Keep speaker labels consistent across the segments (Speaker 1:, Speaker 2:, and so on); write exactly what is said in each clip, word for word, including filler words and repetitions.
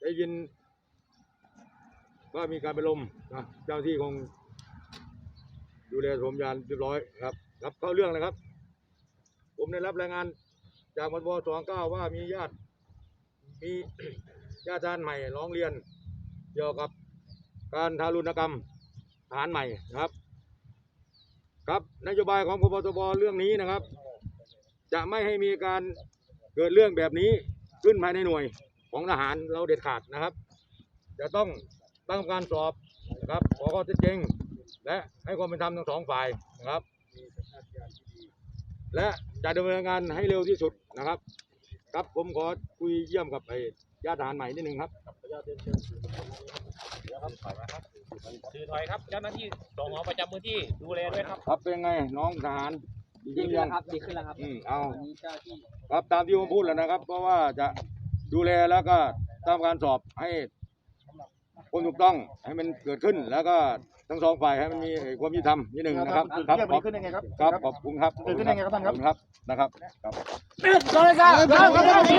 Speaker 1: ได้ยินว่ามีการไปลมนะเจ้าที่คงดูแลสมยานเรียบร้อยครับครับเข้าเรื่องนะครับผมได้รับรายงานจากมทบสองเก้าว่ามีญาติมี ญาติทหารใหม่ร้องเรียนเกี่ยวกับการทารุณกรรมทหารใหม่นะครับครับนโยบายของพบทบเรื่องนี้นะครับจะไม่ให้มีการเกิดเรื่องแบบนี้ขึ้นภายในหน่วยของทหารเราเด็ดขาดนะครับจะต้องตั้งการสอบนะครับขอข้อเท็จจริงและให้ความเป็นธรรมทั้งสองฝ่ายนะครับและจะดำเนินงานให้เร็วที่สุดนะครับครับผมขอคุยเยี่ยมกับไอ้ญาติทหารใหม่นิดนึงครับ
Speaker 2: สื่อถอยครับเจ้าหน้าที่สองหอประจำพื้นที่ดูแลด้วยครับ
Speaker 1: ครับเป็นไงน้องทหาร
Speaker 3: ดีขึ้นแล้วครับดีขึ้นแล้วครับ
Speaker 1: อืมเอา
Speaker 3: วันนี้เจ้าที่
Speaker 1: ครับตามที่ผมพูดแล้วนะครับเพราะว่าจะดูแลแล้วก็ทำการสอบให้คนถูกต้องให้มันเกิดขึ้นแล้วก็ทั้งสองฝ่ายให้มันมีความยุติธรรมนิดหนึ่งนะครับครับขอบคุณครับครับขอบคุณครับขอบคุณครับท่านครับนะครับครับ
Speaker 4: โดนครับผมครับผมครับ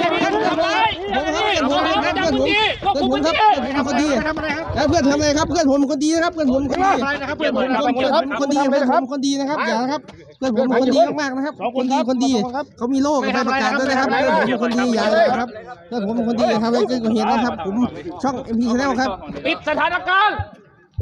Speaker 4: ผมคนดีแล้วเพื่อนทำอะไรครับเพื่อนผมคนดีนะครับเพื่อนผมคนดีเพื่อนผมคนดีเพื่อนผมคนดีนะครับอย่านะครับเพื่อนผมคนดีมากๆนะครับคนดีคนดีเขามีโล่กับใบประกาศด้วยนะครับเพื่อนผมคนดีอย่าเลยครับเพื่อนผมคนดีทำอะไรเกินกว่าเหตุนะครับผมช่อง เอ็ม พี Channel ครับ
Speaker 2: ปิดสถานการณ์